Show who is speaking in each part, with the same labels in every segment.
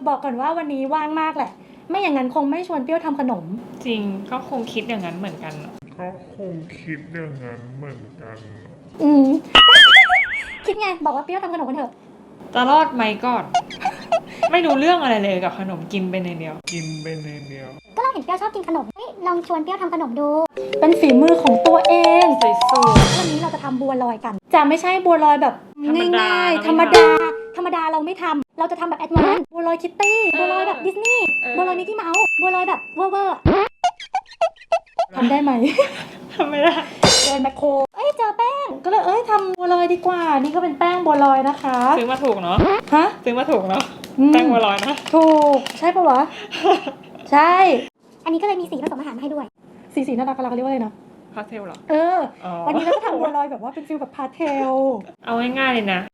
Speaker 1: บอกก่อนว่าวันนี้ว่างมากแหละไม่อย่างนั้นคงไม่ชวนเปรี้ยวทำขนม
Speaker 2: จริงก็คงคิดอย่างนั้นเหมือนกัน
Speaker 3: ก็คงคิดอย่างนั้นเหมือนกัน
Speaker 1: อืม คิดไงบอกว่าเปรี้ยวทำขนมกันเถอะ
Speaker 2: จะรอดไหมก่อน ไม่รู้เรื่องอะไรเลยกับขนมกินไปในเดียว
Speaker 3: กินไปในเดียว
Speaker 4: ก็เราเห็นเปรี้ยวชอบกินขนมลองชวนเปรี้ยวทำขนมดู
Speaker 1: เป็นฝีมือของตัวเอง
Speaker 2: สวย
Speaker 1: วันนี้เราจะทำบัวลอยกัน จะไม่ใช่บัวลอยแบบ
Speaker 2: ธรรมดา
Speaker 1: ง่ายๆธรรมดาเราไม่ทำเราจะทำแบบแอดวานซ์บัวลอยคิตตี้บัวลอยแบบดิสนีย์บัวลอยมิกกี้เมาส์บัวลอยแบบเวอร์ทำได้ไหม
Speaker 2: ๆทำไม่ได้
Speaker 1: เดินแมคโครเจอแป้งก็เลยทำบัวลอยดีกว่านี่ก็เป็นแป้งบัวลอยนะคะ
Speaker 2: ซื้อมาถูกเนาะ
Speaker 1: ฮะ
Speaker 2: ซื้อมาถูกเนาะแป้งบัวลอยนะ
Speaker 1: ถูกใช่ปะวะ ใช่
Speaker 4: อันนี้ก็เลยมีสีผสมอาหารมาให้ด้วย
Speaker 1: สีน่ารักเราเรียกว่าอะไรนะ
Speaker 2: พาสเทลเหรอ
Speaker 1: วันนี้เราจะทำบัวลอยแบบว่าเป็นฟิลแบบพาสเทล
Speaker 2: เอาง่ายๆเลยนะ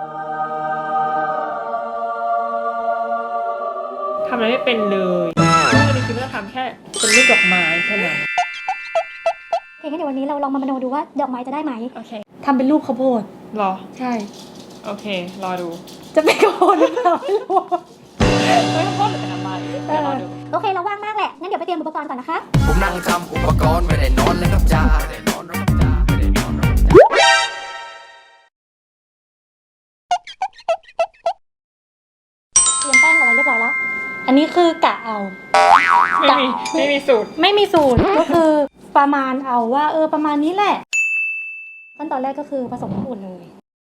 Speaker 2: ทำอะไรไม่เป็นเลยวันนี้คิดว่าจะทำแค่เป็นรูปดอกไม้แค่นั้น
Speaker 4: โอเคงั้นเดี๋ยววันนี้เราลองมามโนดูว่าดอกไม้จะได้ไหม
Speaker 2: โอเค
Speaker 1: ทำเป็นรูปข้าวโพด
Speaker 2: รอ
Speaker 1: ใช่
Speaker 2: โอเค รอดู
Speaker 1: จะเป็นข้าวโพดหรือเปล่าไม่รู้
Speaker 2: ไม่ต้องพูดหรือเป็นอะไรเดี๋ยวรอดู
Speaker 4: โอเคเราว่างมากแหละ งั้นเดี๋ยวไปเตรียมอุปกรณ์ก่อนนะคะ
Speaker 5: ผมนั่งทำอุปกรณ์ไม่ได้นอนเลยครับจ้าไม่ได้นอนครับจ้าไม่ได้นอนครับจ้า
Speaker 4: เตรียมแป้งเอาไว้เรียบร้อยแล้ว
Speaker 1: อันนี้คือกะเอา
Speaker 2: ไม่มีสูตร
Speaker 1: ไม่มีสูตร ก็คือประมาณเอาว่าประมาณนี้แหละขั้นตอนแรกก็คือผสมน้ำอุ่นเลย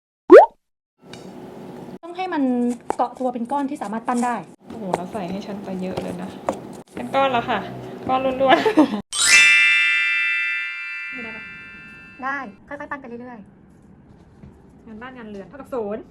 Speaker 1: ต้องให้มันเกาะตัวเป็นก้อนที่สามารถปั้นได้
Speaker 2: โอ้โหแล้วใส่ให้ฉันไปเยอะเลยนะเป็นก้อนแล้วค่ะ ก้อนล้วน
Speaker 1: ไม่ได้ปะ
Speaker 4: ได้ ค่อยๆปั้นไปเรื่อย
Speaker 2: ๆงานบ้านงานเรือนเท่ากับศูนย์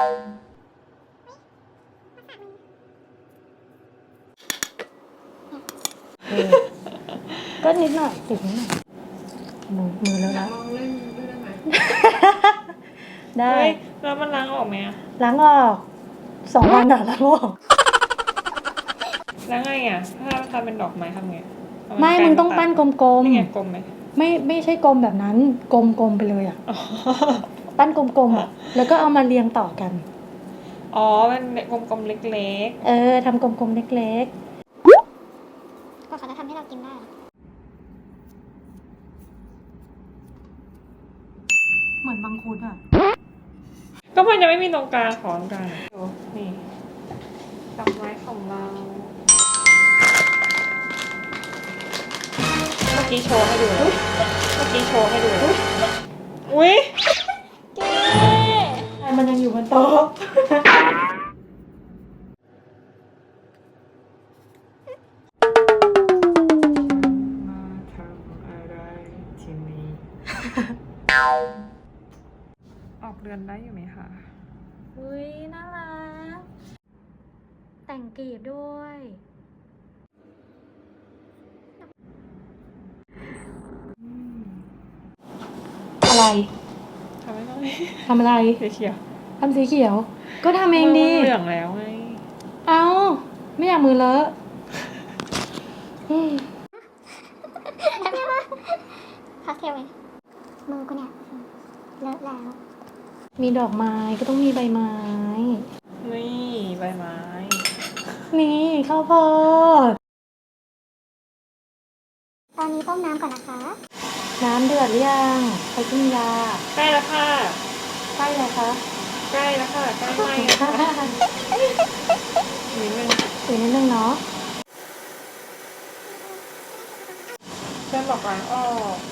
Speaker 1: ก็นิดหน่อยติดนิดหน่อยมือแล้วนะ
Speaker 2: ลองเล่นด้วยได้ไหม
Speaker 1: ได้
Speaker 2: เฮ้ยแล้วมันล้างออกไหมอะ
Speaker 1: ล้างออก2 วันล้างออก
Speaker 2: แล้วไงอ่ะถ้าทำเป็นดอกไม้ทำไงเอา
Speaker 1: ไม่
Speaker 2: แปร
Speaker 1: มึงต้องปั้นกลม
Speaker 2: นี่ไงกลมไหม
Speaker 1: ๆไม่ใช่กลมแบบนั้นกลมๆไปเลยอ่ะ
Speaker 2: อ๋อ
Speaker 1: ปั้นกลมๆอ่ะแล้วก็เอามาเรียงต่อกัน
Speaker 2: อ๋อเป็นกลมๆเล็ก
Speaker 1: ทำกลมๆเล็ก
Speaker 4: ๆ ก็เขาจะทำให้เรากินได้
Speaker 1: ๆเหมือนบางคุดอ่ะ
Speaker 2: ๆก็มันจะไม่มีตรงกลางของตรงกลางดูนี่ดอกไม้ของเราเมื่อกี้โชว์ให้ดูนะเมื่อกี้โชว์ให้ดูนะอุ้ย
Speaker 1: มันยังอยู่บนโต๊ะ
Speaker 2: มาทำอะไรที่นี่ ออกเรือนได้อยู่ไหมคะ
Speaker 1: อุ้ยน่ารักแต่งกลีบด้วย อะไร
Speaker 2: ทำไม่ได้
Speaker 1: ทำอะไร
Speaker 2: เขียว
Speaker 1: ทำสีเขียว ก็ทำ
Speaker 2: ๆ
Speaker 1: เองดี
Speaker 2: เหลืองแล้วไง
Speaker 1: เอาไม่อยากมือเลอะอืม
Speaker 4: พาสเทลไงมือกูเนี่ยเลอะแล้ว
Speaker 1: มีดอกไม้ก็ต้องมีใบไม้
Speaker 2: นี่ใบไม้
Speaker 1: นี่ข้าวโพด
Speaker 4: ตอนนี้ต้มน้ำก่อนนะคะ
Speaker 1: น้ำเดือดหรือยังไปกินยา
Speaker 2: ใกล้แล้วค่ะ
Speaker 1: ใช่เลยคะ
Speaker 2: ใกล้แล้วค่ะใกล้ไหมแล้วค่ะนิดนึง
Speaker 1: อีกนิดนึงเนาะ
Speaker 2: เส้นบอกล้างออก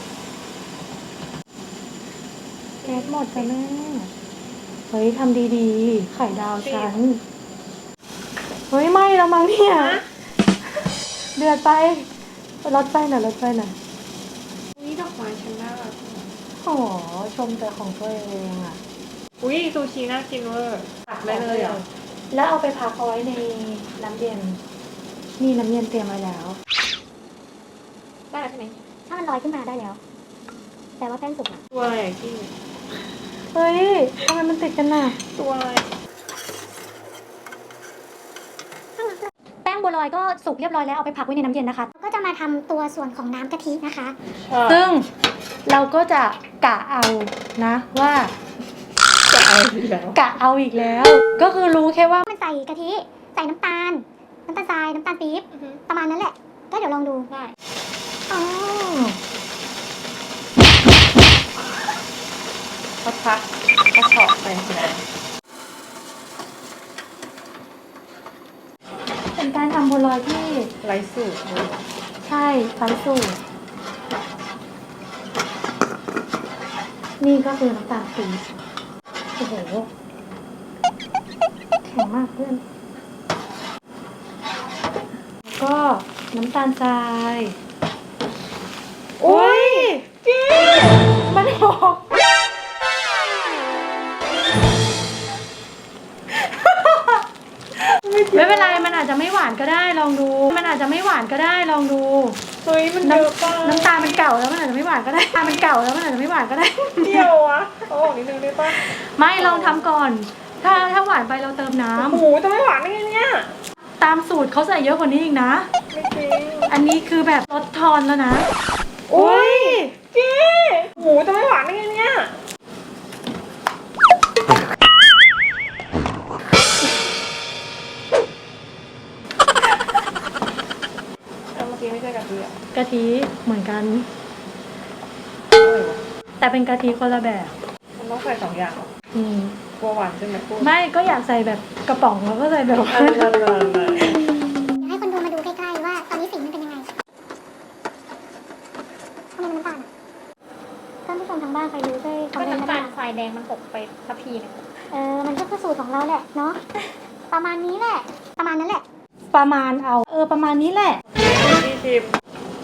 Speaker 1: แก๊สหมดจ้ะแม่เฮ้ยทำดีๆ ไข่ดาวฉัน เฮ้ยไหม้แล้วมั้งเนี่ย เดือดไปลดไฟหน่อยลดไฟหน่อย
Speaker 2: นี่ดอกไม้ฉันน่ารัก
Speaker 1: โอ้โหชมแต่ของตัวเองอ่ะ
Speaker 2: อุ้ยซูชิน่ากินเวอร์ตักได้เลยเหรอ
Speaker 1: แล้วเอาไปพักเอาไว้ในน้ำเย็น นี่น้ำเย็นเตรียมไว้แล้ว
Speaker 2: ได้แล้วใช่ไหม
Speaker 4: ถ้ามันลอยขึ้นมาได้แล้ว แต่ว่าแป้งสุกอะ
Speaker 2: ตัวอะไรอะกี้
Speaker 1: เฮ้ยทำไมมันติดกันน่ะ
Speaker 2: ตัวอะไร
Speaker 4: แป้งบัวลอยก็สุกเรียบร้อยแล้ว เอาไปพักไว้ในน้ำเย็นนะคะ ก็จะมาทำตัวส่วนของน้ำกะทินะคะ
Speaker 1: ซึ่งเราก็จะกะเอานะว่า
Speaker 2: จะเอาอีกแล้ว
Speaker 1: กะเอาอีกแล้ว ก็คือรู้แค่ว่า
Speaker 4: มันใส่กะทิใส่น้ำตาลทรายน้ำตาลปี๊บประมาณนั้นแหละก็เดี๋ยวลองดูได้อ๋อ
Speaker 2: พักกระชอกไปนะ
Speaker 1: เป็นการทำบัวลอยที่
Speaker 2: ไร้สูตรเลย
Speaker 1: ใช่ไร้สูตรนี่ก็คือน้ำตาลปี๊บโอ้โหแข็งมากเพื่อนแล้วก็น้ำตาลทรายโอ้ยมันหกไม่เป็นไรมันอาจจะไม่หวานก็ได้ลองดูมันอาจจะไม่หวานก็ได้ลองดู
Speaker 2: เฮ้ยมันเยอะป่ะ
Speaker 1: น้ำตาลมันเก่าแล้วมันอาจจะไม่หวานก็ได้น้ำตาลมันเก่าแล้วมันอาจจะไม่หวานก็ได้
Speaker 2: เที่ยวอะเอาออกนิดนึงได้ป่ะ
Speaker 1: ไม่ลองทำก่อน ถ้าหวานไปเราเติมน้
Speaker 2: โอ้โหจะไม่หวานได้ไงเนี่ย
Speaker 1: ำตามสูตรเขาใส่เยอะกว่านี้อีกนะ
Speaker 2: ไม่จริง
Speaker 1: อันนี้คือแบบลดทอนแล้วนะ
Speaker 2: โอ้ยเจ๊โอ้โหจะไม่หวานได้ไงเนี่ยเมื่อกี้ไม่ใช่กะทิอะ
Speaker 1: กะทิเหมือนกัน
Speaker 2: อะไรวะ
Speaker 1: แต่เป็นกะทิคนละแบบ
Speaker 2: มันต้องใส่2 อย่างเหรอ
Speaker 1: อืม
Speaker 2: กลัวหวานใช่ไหมพูด
Speaker 1: ไม่ก็อยากใส่แบบกระป๋องแล้วก็ใส่แบบว่า
Speaker 2: เลย
Speaker 4: เดี๋ยวให้คนดูมาดูใกล้ๆว่าตอนนี้สีมันเป็นยังไงทำไมมันน้ำตาลอะท่านผู้ชมทางบ้านใครรู้ช่วยคอมเมนต์มาได้
Speaker 6: ทรายแดงมันหกไปทัพพีนึง
Speaker 4: มันก็คือสูตรของเราแหละเนาะประมาณนี้แหละประมาณนั้นแหละ
Speaker 1: ประมาณเอาประมาณนี้แหละ
Speaker 2: พี่ชิม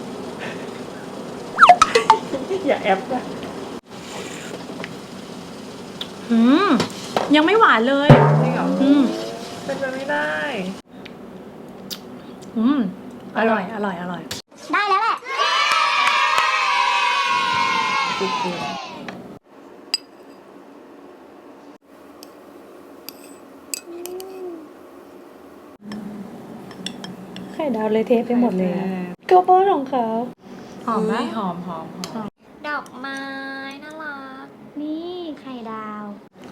Speaker 2: อย่าแอปนะ
Speaker 1: ยังไม่หวานเลย
Speaker 2: จริงเหรอ เป็นไปไม่ได้
Speaker 1: อร่อยอร่อยอร่อย
Speaker 4: ได้แล้วแหละ
Speaker 1: ไข่ดาวเลยเทไปหมดเลยก็เพราะของเขาหอมไหม
Speaker 2: หอม
Speaker 6: ดอกไม้น่ารัก
Speaker 4: นี่ไข่ดาว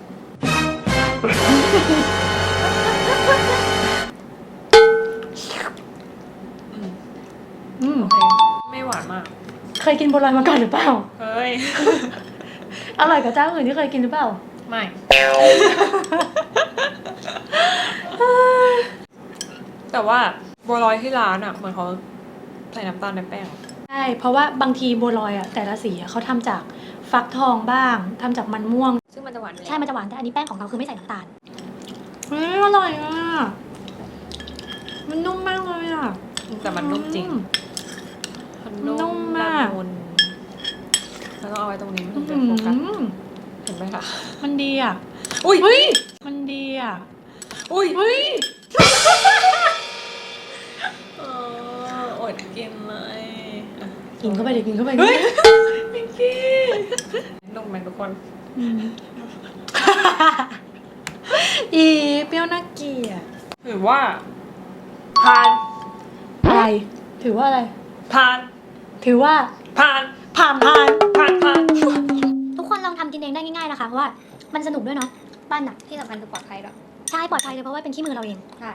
Speaker 2: โอเค ไม่หวานมาก
Speaker 1: เคยกินบัวลอยมาก่อนหรือเปล่า
Speaker 2: เฮ้ย
Speaker 1: อร่อยกว่าเจ้าอื่นที่เคยกินหรือเปล่า
Speaker 2: ไม่ แต่ว่าบัวลอยที่ร้านอ่ะเหมือนเขาใส่น้ำตาลในแป้ง
Speaker 1: ใช่ เพราะว่าบางทีบัวลอยอ่ะแต่ละสีอะเขาทำจากฟักทองบ้างทำจากมันม่วง
Speaker 6: ซึ่งมันจะหวานอยู่
Speaker 4: ใช่ มันจะหวานแต่อันนี้แป้งของเราคือไม่ใส่น้ำตาล
Speaker 1: อร่อยอ่ะ มันนุ่มมากเลยอ่ะ
Speaker 2: แต่มันนุ่มจริง มัน
Speaker 1: นุ่มมาก
Speaker 2: ละมุนแล้วต้องเอาไว้ตรงนี้มันถึงเป็นโฟกัสเห็นไหมคะ
Speaker 1: มันดีอ่ะ
Speaker 2: อุ้ย
Speaker 1: เฮ้ย มันดีอ่ะ
Speaker 2: อุ้ย
Speaker 1: เฮ้ย
Speaker 2: อดกินเลยอ่ะ
Speaker 1: กินเข้าไปดิกินเข้าไป
Speaker 2: เฮ้ยพิงกี้นุ่มไหมทุกคน
Speaker 1: อีเปรี้ยวน่าเกลียด
Speaker 2: ถือว่าทาน
Speaker 1: อะไร ถือว่าอะไร
Speaker 2: ทาน
Speaker 1: ถือว่า
Speaker 2: ทาน
Speaker 1: ผ่าน
Speaker 4: ทุกคนลองทำกินเองได้ง่ายๆนะคะ เพราะว่ามันสนุกด้วยเนาะบ้านหนัก
Speaker 6: ที่สำคัญคือปลอดภัยด้วย
Speaker 4: ใช่ปลอดภัยเลยเพราะว่าเป็นขี้มือเราเอง
Speaker 6: ใช่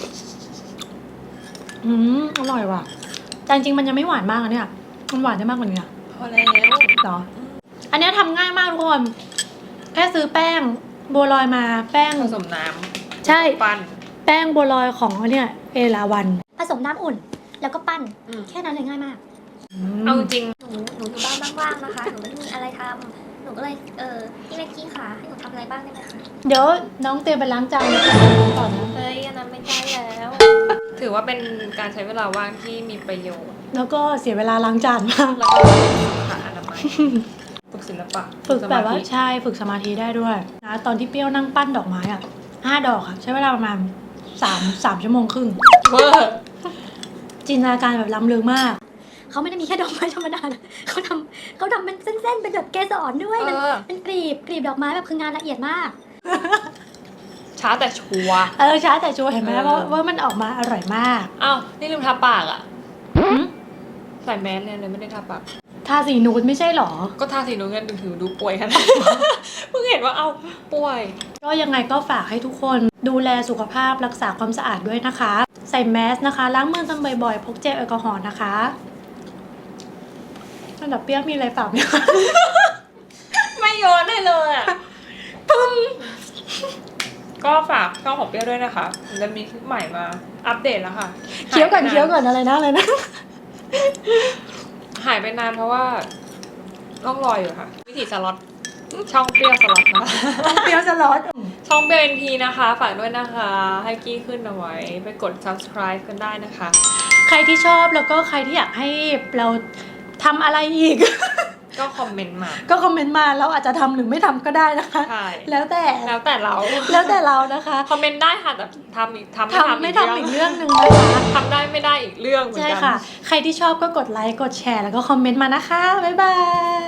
Speaker 1: อร่อยว่ะแต่จริงๆมันยังไม่หวานมากอะเนี่ย มันหวานได้มากกว่านี้อะ
Speaker 2: พอแล้ว
Speaker 1: เหรอ อันเนี้ยทำง่ายมากทุกคน แค่ซื้อแป้งบัวลอยมา แป้ง
Speaker 2: ผสมน้ำ
Speaker 1: ใช่
Speaker 2: ปั้น
Speaker 1: แป้งบัวลอยของเนี่ยเอราวัน
Speaker 4: ผสมน้ำอุ่น แล้วก็ปั้น
Speaker 2: อืม
Speaker 4: แค่นั้นเลยง่ายมาก
Speaker 2: เอาจริง
Speaker 6: หนูอยู่บ้านว่างๆนะคะ หนูไม่มีอะไรทำหนูก็เลยพี่เล็กกี้ค่ะให้หนูทำอะไรบ้างได้ไหมคะ
Speaker 1: เดี๋ยวน้องเตรียมไปล้างจานก่อนนะ
Speaker 6: เฮ้ยอันนั้นไม่ใช่แล้ว
Speaker 2: ถือว่าเป็นการใช้เวลาว่างที่มีประโยชน์
Speaker 1: แล้วก็เสียเวลาล้างจานมาก
Speaker 2: แล้วก็สุขอนามัยฝึกศิลปะ
Speaker 1: ฝึกแบบว่า
Speaker 2: สมธิ
Speaker 1: ใช่ฝึกสมาธิได้ด้วยนะตอนที่เปรี้ยวนั่งปั้นดอกไม้อ่ะ5 ดอกอ่ะใช้เวลาประมาณ3 ชั่วโมงครึ่ง
Speaker 2: เวอร์
Speaker 1: จินตนาการแบบล้ำลึกมาก
Speaker 4: เขาไม่ได้มีแค่ดอกไม้ธรรมดานะเขาทำเป็นเส้นๆ เป็นแบบเกสรด้วยเป็นกลีบดอกไม้แบบคืองานละเอียดมาก
Speaker 2: ช้าแต่ชัวร์
Speaker 1: ช้าแต่ชัวร์เห็นไหม
Speaker 2: เออ
Speaker 1: เพราะว่ามันออกมาอร่อยมาก
Speaker 2: อ้าวนี่ลืมทาปากอ่ะ
Speaker 1: หืม
Speaker 2: ใส่แมสเลยไม่ได้ทาปาก
Speaker 1: ททาสีนูดไม่ใช่หรอ
Speaker 2: ก็ทาสีนูนกันถือดูป่วยขนาดเพิ่งเห็นว่าเอาป่วย
Speaker 1: ก็ยังไงก็ฝากให้ทุกคนดูแลสุขภาพรักษาความสะอาดด้วยนะคะ ใส่แมสนะคะล้างมือกันบ่อยๆพกเจลแอลกอฮอล์นะคะอันดับเปรี้ยวมีอะไรฝากไหมคะ
Speaker 2: ไม่โยนให้เลยอ่ะปึ้มก็ฝากช่องของเปรี้ยวด้วยนะคะจะมีคลิปใหม่มาอัปเดตแล้วค่ะ
Speaker 1: เคี้ยวก่อนอะไรนะ
Speaker 2: หายไปนานเพราะว่าต้องรออยู่ค่ะ วิถีสล็อตช่องเปรี้ยวสล็อตนะคะ
Speaker 1: เปรี้ยวจะร้อน
Speaker 2: ช่องเปรี้ยว NP นะคะฝากด้วยนะคะ ให้กี้ขึ้นเอาไว้ไปกด subscribe กันได้นะคะ
Speaker 1: ใครที่ชอบแล้วก็ใครที่อยากให้เราทำอะไรอีก
Speaker 2: ก็คอมเมนต์มา
Speaker 1: ก็คอมเมนต์มาเราอาจจะทำหรือไม่ทำก็ได้นะคะ
Speaker 2: ใช่
Speaker 1: แล้วแต่
Speaker 2: แล้วแต่เรา
Speaker 1: แล้วแต่เรานะคะ
Speaker 2: คอมเมนต์ได้ค่ะแต่ทำ
Speaker 1: ไม่
Speaker 2: ไม่ทำ
Speaker 1: ทำอีกเรื่องหนึ่งนะคะ
Speaker 2: ทำได้ไม่ได้อีกเรื่องเหมือน
Speaker 1: ใช่
Speaker 2: กัน
Speaker 1: ค่ะ ใครที่ชอบก็กดไลค์กดแชร์แล้วก็คอมเมนต์มานะคะบ๊ายบาย